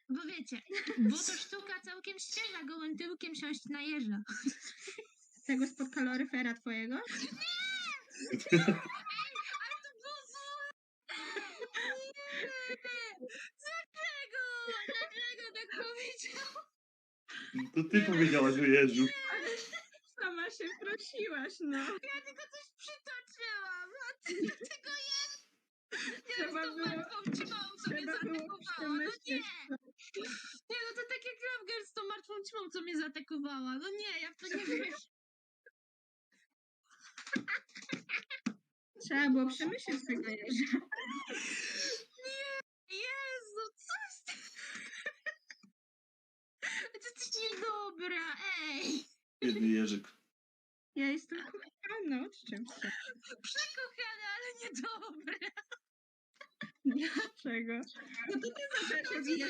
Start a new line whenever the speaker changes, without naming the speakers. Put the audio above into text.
Bo wiecie, bo to sztuka całkiem świeża, gołym tyłkiem siąść na jeża.
Tego spod kaloryfera twojego?
Ale to było złe! Nie! Dlaczego? Dlaczego tak powiedział?
To ty powiedziałaś o Jeżu.
Ale sama się prosiłaś, no.
Ja tylko coś przytoczyłam. A ty tego jest. Ja
Trzeba
z tą
było-
martwą ćmą sobie
Trzeba było
zaatakowała. No nie!
przemyśleć to.
Nie, no to tak jak Ramger z tą martwą ćmą, co mnie zaatakowała. No nie, ja w to nie wierzę.
Trzeba było przemyśleć tego jeża.
Jezu, coś ty... Ty jesteś niedobra, ej!
Biedny Jerzyk.
Ja jestem kochana, odczep się.
Przekochana, ale niedobra.
Dlaczego? No to ty zaczęłaś